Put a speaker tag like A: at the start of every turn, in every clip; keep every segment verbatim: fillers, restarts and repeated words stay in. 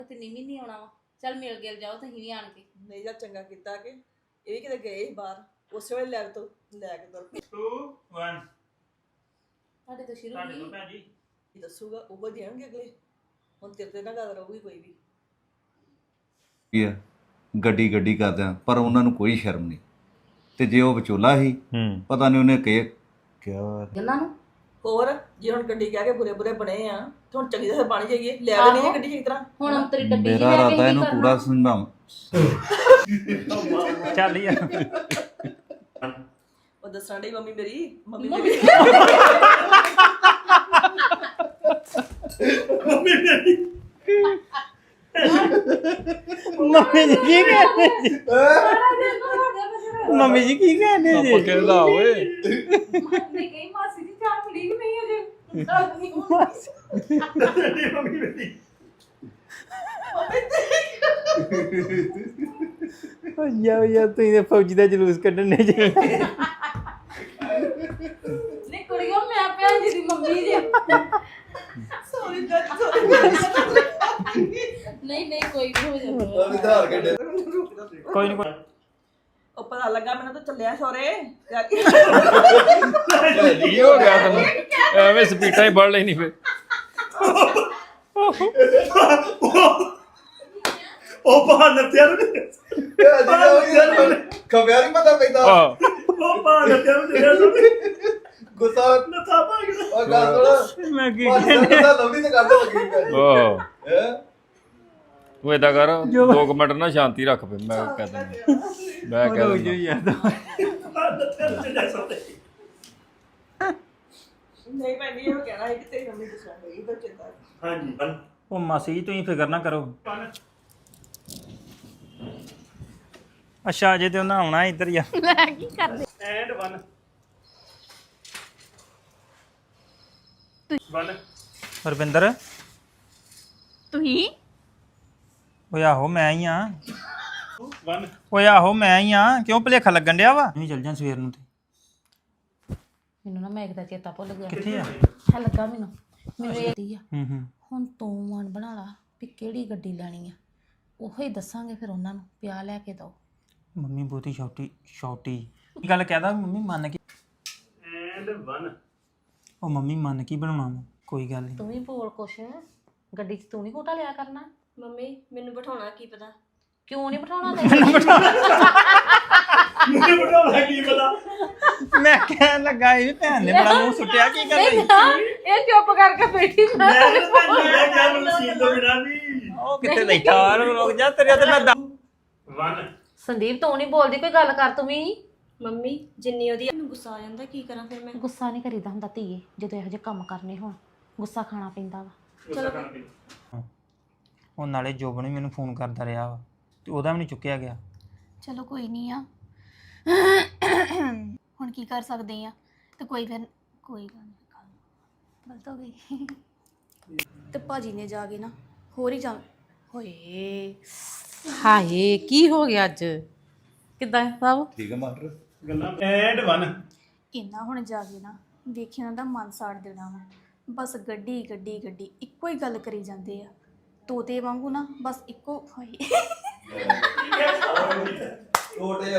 A: ਤੇ ਨੀਵੀਂ ਨਹੀਂ ਆਉਣਾ ਵਾ ਚੱਲ ਮਿਲ ਗਿਲ ਜਾਓ ਤੁਸੀਂ ਵੀ ਆਣ ਕੇ
B: ਨਹੀਂ ਜਾਂ ਚੰਗਾ ਕੀਤਾ ਕਿ ਇਹ ਵੀ ਕਿਤੇ ਗਏ ਸੀ ਬਾਹਰ ਉਸੇ ਵੇਲੇ ਲੈ ਤੋਂ ਲੈ ਕੇ ਤੁਰ ਪਏ।
C: two one
A: ਤੁਹਾਡੇ ਤੋਂ ਸ਼ੁਰੂ
C: ਤੁਹਾਡੇ ਤੋਂ
A: ਨਹੀਂ
C: ਭੈਣ ਜੀ
B: ਕੀ ਦੱਸੂਗਾ ਉਹ ਦੇਣਗੇ ਅਗਲੇ ਹੁਣ ਤੇਰੇ ਤੇ ਨਾ ਗੱਲ ਰਹੂਗੀ ਕੋਈ ਵੀ
D: ਕੀ ਆ ਗੱਡੀ ਗੱਡੀ ਕਰਦਿਆਂ ਪਰ ਉਹਨਾਂ ਨੂੰ ਕੋਈ ਸ਼ਰਮ ਨਹੀਂ ਤੇ ਜੇ ਉਹ ਵਿਚੋਲਾ ਸੀ
E: ਹੂੰ
D: ਪਤਾ ਨਹੀਂ ਉਹਨੇ ਕਿ ਕਿਆ
A: ਗੱਲਾਂ ਨੂੰ
B: ਹੋਰ ਜੇ ਹੁਣ ਗੱਡੀ ਕਹਿ ਕੇ ਬੁਰੇ ਬੁਰੇ ਬਣੇ ਆ ਤੇ ਹੁਣ ਚੰਗੀ ਤਰ੍ਹਾਂ ਬਣ ਜਾਈਏ ਲੈ ਦੇ ਨਹੀਂ ਗੱਡੀ ਚੰਗੀ ਤਰ੍ਹਾਂ
A: ਹੁਣ ਅੰਤਰੀ ਡੱਬੀ ਜਿਹੀ
D: ਮੇਰਾ
A: ਲੈ ਕੇ
D: ਰਾਤਾ
A: ਕੀ
D: ਇਹਨੂੰ
A: ਕਰਨਾ?
D: ਪੂਰਾ ਸਮਝਾਵਾਂ
E: ਚੱਲ ਯਾਰ
B: ਉਹ ਦੱਸਣ ਡਈ ਮੰਮੀ ਮੇਰੀ ਮੰਮੀ
A: ਮੰਮੀ
B: ਮੇਰੀ
C: ਮੰਮੀ ਮੇਰੀ
E: ਮੰਮੀ ਜੀ ਕੀ ਕਹਿੰਦੇ ਜੀ ਮੰਮੀ ਜੀ ਕੀ ਕਹਿੰਦੇ ਜੀ
F: ਆਪਾਂ ਕਹਿੰਦਾ ਓਏ
A: ਮੰਮੀ ਕਹੀ ਮਾਸੀ ਜੀ ਚਾਹ ਪੀ ਕਿ ਨਹੀਂ ਅਜੇ
C: ਮੰਮੀ ਮੇਰੀ
E: ਓ ਯਾ ਯਾ ਤੁਸੀਂ ਤੇ ਫੌਜੀ ਦਾ ਜਲੂਸ ਕੱਢਣੇ ਜੀ
A: ਨਹੀਂ ਕੁੜੀਓ ਮੈਂ ਭੈਣ ਜੀ ਦੀ ਮੰਮੀ ਜੀ
B: ਸੌਰੀ ਦਾ ਸੌਰੀ
A: ਨਹੀਂ ਨਹੀਂ ਕੋਈ ਨਹੀਂ ਹੋ ਜਾਂਦਾ
D: ਆਧਾਰ ਕੱਢੇ
E: ਕੋਈ ਨਹੀਂ ਕੋਈ
B: ਉਹ ਪਤਾ ਲੱਗਾ ਮੈਨੂੰ ਤਾਂ ਚੱਲਿਆ ਸੋਰੇ
F: ਕੀ ਹੋ ਗਿਆ ਤੈਨੂੰ ਐਵੇਂ ਸਪੀਟਾਂ ਹੀ ਵੱਢ ਲੈਣੀ ਫੇ
C: ਉਹ ਬਹਾਨਾ ਤਿਆਰ
D: ਖਬਿਆ ਨਹੀਂ ਪਤਾ ਪੈਂਦਾ
F: ਆਹ
C: ਉਹ ਬਹਾਨਾ ਤਿਆਰ
D: ਗੁੱਸਾ
C: ਨਤਾ ਪਾ ਗਿਆ
D: ਉਹ ਗੱਲ ਥੋੜਾ
E: ਮੈਂ ਕੀ
D: ਕਹਿੰਦੇ ਲੰਬੀ ਤੇ ਗੱਲ ਲੱਗੀ
F: ਆਹ
D: ਹੈ
F: ਤੂੰ ਏਦਾਂ ਕਰ ਦੋ ਕੁ ਮਿੰਟ ਨਾ ਸ਼ਾਂਤੀ ਰੱਖ ਫੇ ਮੈਂ ਕਹਿ ਦਿੰਦਾ ਮੈਂ ਕਹਿ
E: ਹੋ
F: ਦਿੰਦਾ
E: ਜੋ ਯਾਰ
C: ਬਹਾਨਾ ਤਿਆਰ ਚੱਲਿਆ ਸੋਤੇ
B: ਨਹੀਂ ਮੈਂ ਨਹੀਂ ਉਹ ਕਹਿਣਾ ਸੀ ਕਿ ਤੇਰੀ ਮੰਮੀ ਦੱਸਣ ਗਈ ਪਰ ਚਿੰਤਾ
C: ਹਾਂਜੀ
E: ਉਹ ਮਾਸੀ ਜੀ ਤੁਸੀਂ ਫਿਕਰ ਨਾ ਕਰੋ ਅੱਛਾ ਜੇ ਤੇ ਉਹਨਾਂ ਆਉਣਾ ਇੱਧਰ ਯਾਰ
A: ਮੈਂ ਕੀ ਕਰਦੇ
C: ਐਂਡ one one
E: ਰਵਿੰਦਰ
A: ਤੁਸੀਂ
E: ਓਏ ਆਹੋ ਮੈਂ ਹੀ ਆ
C: one
E: ਓਏ ਆਹੋ ਮੈਂ ਹੀ ਆ ਕਿਉਂ ਭੁਲੇਖਾ ਲੱਗਣ ਡਿਆ ਵਾ ਨਹੀਂ ਚੱਲ ਜਾਂ ਸਵੇਰ ਨੂੰ ਤੇ
A: ਮੈਨੂੰ ਨਾ ਮੈਂ ਦਾ ਚੇਤਾ ਭੁੱਲ ਗਿਆ
E: ਕਿੱਥੇ ਆ
A: ਆ ਲੱਗਾ ਮੈਨੂੰ ਮੈਨੂੰ ਇਹ ਆ
E: ਹੂੰ ਹੂੰ
A: ਹੁਣ ਤੂੰ ਮਨ ਬਣਾ ਲਾ ਵੀ ਕਿਹੜੀ ਗੱਡੀ ਲੈਣੀ ਆ ਉਹੋ ਹੀ ਦੱਸਾਂਗੇ ਫਿਰ ਉਹਨਾਂ ਨੂੰ ਪਿਆ ਲੈ ਕੇ ਦੋ
E: ਮੰਮੀ ਬਹੁਤੀ ਛੋਟੀ ਛੋਟੀ ਇਹ ਗੱਲ ਕਹਿਦਾ ਮੰਮੀ ਮੰਨ ਕੇ
C: ਐਂਡ one
E: ਉਹ ਮੰਮੀ ਮੰਨ ਕੀ ਬਣਾਉਣਾ ਵਾ ਕੋਈ ਗੱਲ ਨਹੀਂ
A: ਤੂੰ ਵੀ ਬੋਲ ਕੁਛ ਗੱਡੀ 'ਚ ਤੂੰ ਨਹੀਂ ਘੋਟਾ ਲਿਆ ਕਰਨਾ
G: ਮੰਮੀ ਮੈਨੂੰ ਬਿਠਾਉਣਾ ਕੀ ਪਤਾ
A: ਕਿਉਂ ਨਹੀਂ ਬਿਠਾਉਣਾ ਤੈਨੂੰ
C: ਮੈਨੂੰ ਬੜਾ ਕੀ ਪਤਾ
E: ਮੈਂ ਕਹਿਣ ਲੱਗਾ ਇਹ ਭੈਣ ਨੇ ਬੜਾ ਮੂੰਹ ਸੁੱਟਿਆ ਕੀ ਕਰ ਰਹੀ
A: ਇਹ ਚੁੱਪ ਕਰਕੇ ਬੈਠੀ
C: ਮੈਂ ਤਾਂ ਤੁਹਾਨੂੰ ਇਹ ਕਿਹਾ ਮੈਨੂੰ ਸੀਨ ਤੋਂ ਬਿਨਾ ਵੀ
E: ਉਹ ਕਿੱਥੇ ਬੈਠਾ ਰੁਕ ਜਾ ਤੇਰੇ ਤੇ ਮੈਂ ਦ-
C: one
A: ਸੰਦੀਪ ਤੂੰ ਨਹੀਂ ਬੋਲਦੀ ਕੋਈ ਗੱਲ ਕਰ ਤੂੰ ਵੀ
G: ਮੰਮੀ ਜਿੰਨੀ ਉਹਦੀ ਮੈਨੂੰ ਗੁੱਸਾ ਆ ਜਾਂਦਾ ਕੀ ਕਰਾਂ ਫਿਰ ਮੈਂ
A: ਗੁੱਸਾ ਨਹੀਂ ਕਰੀਦਾ ਹੁੰਦਾ ਧੀਏ ਜਦੋਂ ਇਹੋ ਜਿਹੇ ਕੰਮ ਕਰਨੇ ਹੋਣ ਗੁੱਸਾ ਖਾਣਾ ਪੈਂਦਾ ਵਾ
G: ਚਲੋ
E: ਉਹ ਨਾਲੇ ਜੋਬਨ ਵੀ ਮੈਨੂੰ ਫੋਨ ਕਰਦਾ ਰਿਹਾ ਵਾ ਤੇ ਉਹਦਾ ਵੀ ਨਹੀਂ ਚੁੱਕਿਆ ਗਿਆ
H: ਚਲੋ ਕੋਈ ਨਹੀਂ ਆ ਹੁਣ ਕੀ ਕਰ ਸਕਦੇ ਆ ਤੇ ਕੋਈ ਫਿਰ ਕੋਈ ਗੱਲ ਨਹੀਂ ਗਲਤ ਹੋ ਗਈ ਤੇ ਭਾਜੀ ਨੇ ਜਾ ਕੇ ਨਾ ਹੋਰ ਹੀ ਜਾ
A: ਹੋਏ ਹਾਏ ਕੀ ਹੋ ਗਿਆ ਅੱਜ ਕਿੱਦਾਂ ਸਭ
D: ਠੀਕ ਹੈ ਮਾਸਟਰ
C: ਗੱਲਾਂ ਐਂਡ one
H: ਇੰਨਾ ਹੁਣ ਜਾ ਕੇ ਨਾ ਵੇਖੀ ਉਹਨਾਂ ਦਾ ਮਨ ਸਾੜ ਦੇਣਾ ਵਾ ਬਸ ਗੱਡੀ ਗੱਡੀ ਗੱਡੀ ਇੱਕੋ ਹੀ ਗੱਲ ਕਰੀ ਜਾਂਦੇ ਆ ਤੋਤੇ ਵਾਂਗੂ ਨਾ ਬਸ ਇੱਕੋ ਹਾਏ
D: ਛੋਟੇ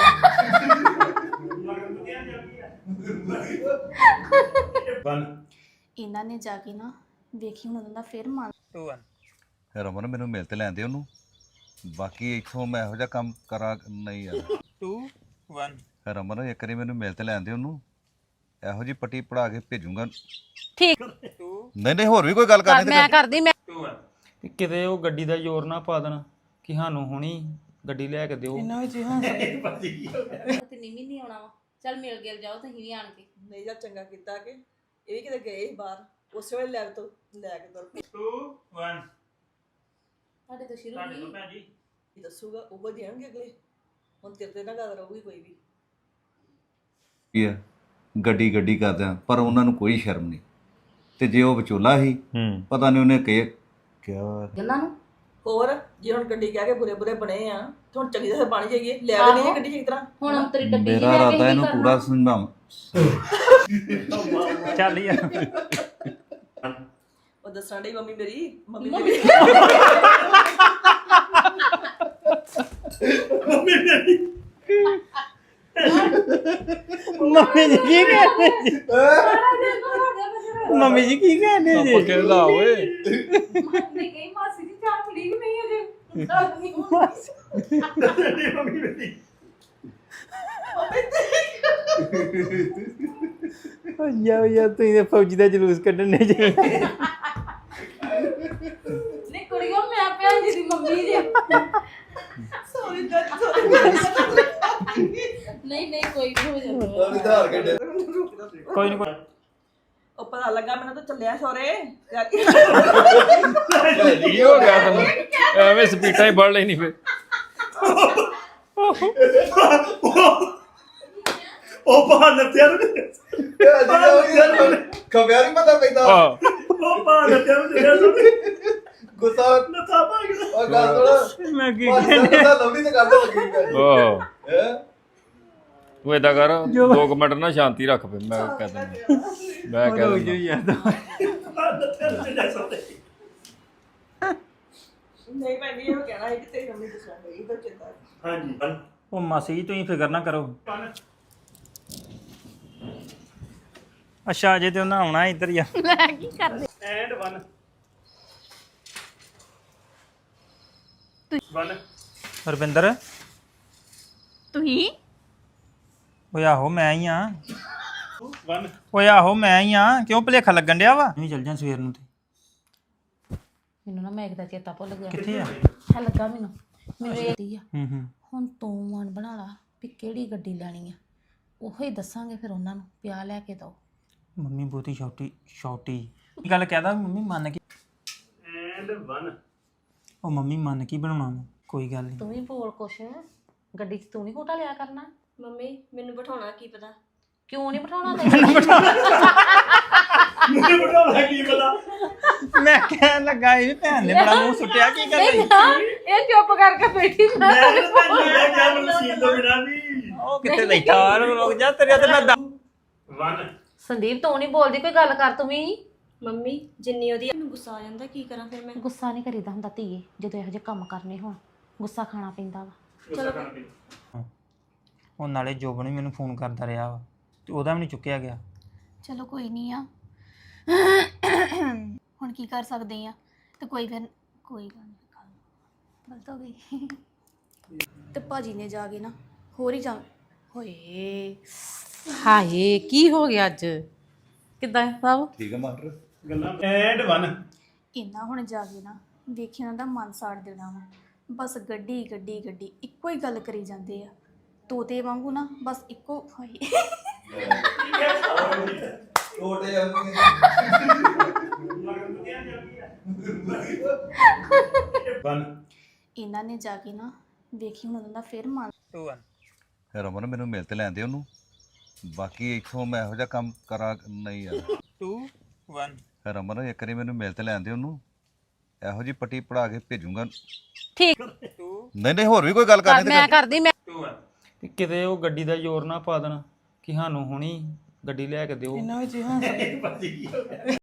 C: one
H: ਇਹਨਾਂ ਨੇ ਜਾ ਕੇ ਨਾ ਵੇਖੀ ਹੁਣ ਉਹਨਾਂ ਦਾ ਫਿਰ ਮਨ
E: two one
D: ਰਮਨ ਮੈਨੂੰ ਮਿਲ ਤੇ ਲੈਂਦੇ ਉਹਨੂੰ ਬਾਕੀ ਇੱਥੋਂ ਮੈਂ ਇਹੋ ਜਿਹਾ ਕੰਮ ਕਰਾਂ ਨਹੀਂ ਯਾਰ
E: two one
D: ਰਮਨ ਇੱਕ ਵਾਰੀ ਮੈਨੂੰ ਮਿਲ ਤੇ ਲੈਂਦੇ ਉਹਨੂੰ ਇਹੋ ਜੀ ਪੱਟੀ ਪੜਾ ਕੇ ਭੇਜੂਗਾ
A: ਠੀਕ
D: ਨਹੀਂ ਨਹੀਂ ਹੋਰ ਵੀ ਕੋਈ ਗੱਲ ਕਰਨੀ
A: ਮੈਂ ਕਰਦੀ ਮੈਂ
E: two one ਤੇ ਕਿਤੇ ਉਹ ਗੱਡੀ ਦਾ ਜ਼ੋਰ ਨਾ ਪਾ ਦੇਣ ਕਿ ਸਾਨੂੰ ਹੁਣੀ ਗੱਡੀ ਲੈ ਕੇ ਦਿਓ
B: ਇਹਨਾਂ ਵਿੱਚ ਹਾਂ
A: ਤੇ ਨੀਵੀਂ ਨਹੀਂ ਆਉਣਾ ਵਾ ਚੱਲ ਮਿਲ ਗਿਲ ਜਾਓ ਤੁਸੀਂ ਵੀ ਆਣ ਕੇ
B: ਨਹੀਂ ਜਾਂ ਚੰਗਾ ਕੀਤਾ ਕਿ ਇਹ ਵੀ ਕਿਤੇ ਗਏ ਸੀ ਬਾਹਰ ਉਸੇ ਵੇਲੇ ਲੈ ਤੋਂ ਲੈ ਕੇ ਤੁਰ ਪਏ।
C: two one
A: ਤੁਹਾਡੇ ਤੋਂ ਸ਼ੁਰੂ
C: ਤੁਹਾਡੇ ਤੋਂ
A: ਨਹੀਂ
C: ਭੈਣ ਜੀ
B: ਕੀ ਦੱਸੂਗਾ ਉਹ ਦੇਣਗੇ ਅਗਲੇ ਹੁਣ ਤੇਰੇ ਤੇ ਨਾ ਗੱਲ ਰਹੂਗੀ ਕੋਈ ਵੀ
D: ਕੀ ਆ ਗੱਡੀ ਗੱਡੀ ਕਰਦਿਆਂ ਪਰ ਉਹਨਾਂ ਨੂੰ ਕੋਈ ਸ਼ਰਮ ਨਹੀਂ ਤੇ ਜੇ ਉਹ ਵਿਚੋਲਾ ਸੀ
E: ਹੂੰ
D: ਪਤਾ ਨਹੀਂ ਉਹਨੇ ਕਿ ਕਿਆ
A: ਗੱਲਾਂ ਨੂੰ
B: ਹੋਰ ਜੇ ਹੁਣ ਗੱਡੀ ਕਹਿ ਕੇ ਬੁਰੇ ਬੁਰੇ ਬਣੇ ਆ ਤੇ ਹੁਣ ਚੰਗੀ ਤਰ੍ਹਾਂ ਬਣ ਜਾਈਏ ਲੈ ਦੇ ਨਹੀਂ ਗੱਡੀ ਚੰਗੀ ਤਰ੍ਹਾਂ
A: ਹੁਣ ਅੰਤਰੀ ਡੱਬੀ ਜਿਹੀ
D: ਮੇਰਾ
A: ਲੈ ਕੇ
D: ਰਾਤਾ
A: ਕੀ
D: ਇਹਨੂੰ
A: ਕਰਨਾ?
D: ਪੂਰਾ ਸਮਝਾਵਾਂ
E: ਚੱਲ ਯਾਰ
B: ਉਹ ਦੱਸਣ ਡਈ ਮੰਮੀ ਮੇਰੀ ਮੰਮੀ ਮੇਰੀ
C: ਮੰਮੀ ਮੇਰੀ
E: ਮੰਮੀ ਜੀ ਕੀ ਕਹਿੰਦੇ ਜੀ ਮੰਮੀ ਜੀ ਕੀ ਕਹਿੰਦੇ ਜੀ
F: ਪੱਕੇ ਲਾ ਓਏ
C: ਤੇਰੀ ਮੰਮੀ ਮੇਰੀ
E: ਓ ਯਾ ਯਾ ਤੁਸੀਂ ਤੇ ਫੌਜੀ ਦਾ ਜਲੂਸ ਕੱਢਣੇ ਜੀ
A: ਨਹੀਂ ਕੁੜੀਓ ਮੈਂ ਭੈਣ ਜੀ ਦੀ ਮੰਮੀ ਜੀ
B: ਸੌਰੀ ਦਾ ਸੌਰੀ
A: ਨਹੀਂ ਨਹੀਂ ਕੋਈ ਨਹੀਂ ਹੋ ਜਾਂਦਾ
D: ਆਧਾਰ ਕੱਢੇ
E: ਕੋਈ ਨਹੀਂ ਕੋਈ
B: ਉਹ ਪਤਾ ਲੱਗਾ ਮੈਨੂੰ ਤਾਂ ਚੱਲਿਆ ਸੋਰੇ
F: ਕੀ ਹੋ ਗਿਆ ਤੈਨੂੰ ਐਵੇਂ ਸਪੀਟਾਂ ਹੀ ਵੱਢ ਲੈਣੀ ਫੇ
C: ਉਹ ਬਾਹਰ ਨੱਤਿਆ ਨੂੰ
D: ਖਬਿਆ ਨਹੀਂ ਪਤਾ ਪੈਂਦਾ
F: ਆਹ
C: ਉਹ ਬਾਹਰ ਨੱਤਿਆ ਨੂੰ ਚੱਲਿਆ ਸੀ
D: ਗੁੱਸਾ
C: ਨੱਥਾ ਪਾ ਗਿਆ
D: ਉਹ ਗੱਲ ਸੁਣ
E: ਮੈਂ ਕੀ
D: ਕਹਿੰਦੇ ਲਵਲੀ ਤੇ ਗੱਲ ਲੱਗੀ ਪਈ
F: ਆਹ
D: ਹੈ
F: ਤੂੰ ਏਦਾਂ ਕਰ ਦੋ ਕੁ ਮਿੰਟ ਨਾ ਸ਼ਾਂਤੀ ਰੱਖ ਫੇ ਮੈਂ ਕਹਿ ਦਿੰਦਾ ਮੈਂ ਕਹਿ
E: ਹੋ
F: ਦਿੰਦਾ
E: ਯਾਰ
C: ਨੱਤਿਆ ਨੂੰ ਚੱਲਿਆ ਸੋਤੇ
B: ਨਹੀਂ ਮੈਂ ਨਹੀਂ ਇਹ ਕਹਿਣਾ ਹੈ ਕਿ ਤੇਰੀ ਮੰਮੀ ਦੱਸਣ ਡਈ ਤਾਂ ਚਿੰਤਾ
C: ਹਾਂਜੀ
E: ਉਹ ਮਾਸੀ ਜੀ ਤੁਸੀਂ ਫਿਕਰ ਨਾ ਕਰੋ ਅੱਛਾ ਜੇ ਤੇ ਉਹਨਾਂ ਆਉਣਾ ਇੱਧਰ ਹੀ ਆ
H: ਲੈ ਕੀ ਕਰਦੇ
C: ਐਂਡ ਵਨ ਵਨ
E: ਰਵਿੰਦਰ
H: ਤੁਸੀਂ
E: ਓਏ ਆਹੋ ਮੈਂ ਹੀ ਆ
C: ਵਨ
E: ਓਏ ਆਹੋ ਮੈਂ ਹੀ ਆ ਕਿਉਂ ਭੁਲੇਖਾ ਲੱਗਣ ਡਿਆ ਵਾ ਨਹੀਂ ਚੱਲ ਜਾਂ ਸਵੇਰ ਨੂੰ ਤੇ
A: ਮੈਨੂੰ ਨਾ ਮੈਂ ਦਾ ਚੇਤਾ ਭੁੱਲ ਗਿਆ
E: ਕਿੱਥੇ ਆ
A: ਆ ਲੱਗਾ ਮੈਨੂੰ ਮੈਨੂੰ ਇਹ ਦੀ ਆ
E: ਹੂੰ ਹੂੰ
A: ਹੁਣ ਤੂੰ ਮਨ ਬਣਾ ਲਾ ਵੀ ਕਿਹੜੀ ਗੱਡੀ ਲੈਣੀ ਆ ਉਹੋ ਹੀ ਦੱਸਾਂਗੇ ਫਿਰ ਉਹਨਾਂ ਨੂੰ ਪਿਆ ਲੈ ਕੇ ਦੋ
E: ਮੰਮੀ ਬਹੁਤੀ ਛੋਟੀ ਛੋਟੀ ਇਹ ਗੱਲ ਕਹਿਦਾ ਮੰਮੀ ਮੰਨ ਕੇ
C: ਐਂਡ ਵਨ
E: ਉਹ ਮੰਮੀ ਮੰਨ ਕੇ ਹੀ ਬਣਾਉਣਾ ਵਾ, ਕੋਈ ਗੱਲ ਨਹੀਂ
A: ਤੂੰ ਵੀ ਬੋਲ ਕੁਛ ਗੱਡੀ 'ਚ ਤੂੰ ਨਹੀਂ ਘੋਟਾ ਲਿਆ ਕਰਨਾ
G: ਮੰਮੀ ਮੈਨੂੰ ਬਿਠਾਉਣਾ ਕੀ ਪਤਾ
A: ਕਿਉਂ ਨਹੀਂ ਬਿਠਾਉਣਾ ਤੈਨੂੰ
C: ਮੈਨੂੰ ਬੜਾ ਕੀ ਪਤਾ
E: ਮੈਂ ਕਹਿਣ ਲੱਗਾ ਇਹ ਭੈਣ ਨੇ ਬੜਾ ਮੂੰਹ ਸੁੱਟਿਆ ਕੀ ਕਰ ਰਹੀ
A: ਇਹ ਚੁੱਪ ਕਰਕੇ ਬੈਠੀ
C: ਮੈਂ ਤਾਂ ਤੁਹਾਨੂੰ ਇਹ ਕਿਹਾ ਮੈਨੂੰ ਸੀਲ ਤੋਂ ਬਿਨਾ ਵੀ
E: ਉਹ ਕਿੱਥੇ ਬੈਠਾ ਰੁਕ ਜਾ ਤੇਰੇ ਤੇ ਮੈਂ
C: ਵਨ
A: ਸੰਦੀਪ ਤੂੰ ਨਹੀਂ ਬੋਲਦੀ ਕੋਈ ਗੱਲ ਕਰ ਤੂੰ ਵੀ
G: ਮੰਮੀ ਜਿੰਨੀ ਉਹਦੀ ਮੈਨੂੰ ਗੁੱਸਾ ਆ ਜਾਂਦਾ ਕੀ ਕਰਾਂ ਫਿਰ ਮੈਂ
A: ਗੁੱਸਾ ਨਹੀਂ ਕਰੀਦਾ ਹੁੰਦਾ ਧੀਏ ਜਦੋਂ ਇਹੋ ਜਿਹੇ ਕੰਮ ਕਰਨੇ ਹੋਣ ਗੁੱਸਾ ਖਾਣਾ ਪੈਂਦਾ ਵਾ
G: ਚਲੋ
E: ਉਹ ਨਾਲੇ ਜੋਬਨ ਵੀ ਮੈਨੂੰ ਫੋਨ ਕਰਦਾ ਰਿਹਾ ਵਾ ਤੇ ਉਹਦਾ ਵੀ ਨਹੀਂ ਚੁੱਕਿਆ ਗਿਆ
H: ਚਲੋ ਕੋਈ ਨਹੀਂ ਆ ਹੁਣ ਕੀ ਕਰ ਸਕਦੇ ਆ ਤੇ ਕੋਈ ਫਿਰ ਕੋਈ ਗੱਲ ਨਹੀਂ ਗਲਤ ਹੋ ਗਈ ਤੇ ਭਾਜੀ ਨੇ ਜਾ ਕੇ ਨਾ ਹੋਰ ਹੀ ਜਾ
A: ਹੋਏ ਹਾਏ ਕੀ ਹੋ ਗਿਆ ਅੱਜ ਕਿੱਦਾਂ ਸਭ
D: ਠੀਕ ਹੈ ਮਾਸਟਰ
C: ਗੱਲਾਂ ਐਂਡ ਵਨ
H: ਇੰਨਾ ਹੁਣ ਜਾ ਕੇ ਨਾ ਵੇਖਿਆ ਉਹਨਾਂ ਦਾ ਮਨ ਸਾੜ ਦੇਣਾ ਵਾ ਬਸ ਗੱਡੀ ਗੱਡੀ ਗੱਡੀ ਇੱਕੋ ਹੀ ਗੱਲ ਕਰੀ ਜਾਂਦੇ ਆ ਤੋਤੇ ਵਾਂਗੂ ਨਾ ਬਸ ਇੱਕੋ ਹਾਏ
D: ਛੋਟੇ
C: ਵਨ
H: ਇਹਨਾਂ ਨੇ ਜਾ ਕੇ ਨਾ ਵੇਖੀ ਹੁਣ ਉਹਨਾਂ ਦਾ ਫਿਰ ਮਨ
E: ਟੂ ਵਨ
D: ਰਮਨ ਮੈਨੂੰ ਮਿਲ ਤੇ ਲੈਂਦੇ ਉਹਨੂੰ ਬਾਕੀ ਇੱਥੋਂ ਮੈਂ ਇਹੋ ਜਿਹਾ ਕੰਮ ਕਰਾਂ ਨਹੀਂ ਯਾਰ
E: ਟੂ ਵਨ
D: ਰਮਨ ਇੱਕ ਵਾਰੀ ਮੈਨੂੰ ਮਿਲ ਤੇ ਲੈਂਦੇ ਉਹਨੂੰ ਇਹੋ ਜੀ ਪੱਟੀ ਪੜਾ ਕੇ ਭੇਜੂਗਾ
A: ਠੀਕ
D: ਨਹੀਂ ਨਹੀਂ ਹੋਰ ਵੀ ਕੋਈ ਗੱਲ ਕਰਨੀ
A: ਮੈਂ ਕਰਦੀ ਮੈਂ
E: ਟੂ ਵਨ ਤੇ ਕਿਤੇ ਉਹ ਗੱਡੀ ਦਾ ਜ਼ੋਰ ਨਾ ਪਾ ਦੇਣ ਕਿ ਸਾਨੂੰ ਹੁਣੀ ਗੱਡੀ ਲੈ ਕੇ ਦਿਓ
C: ਭਾਜੀ ਕੀ ਹੋ ਗਿਆ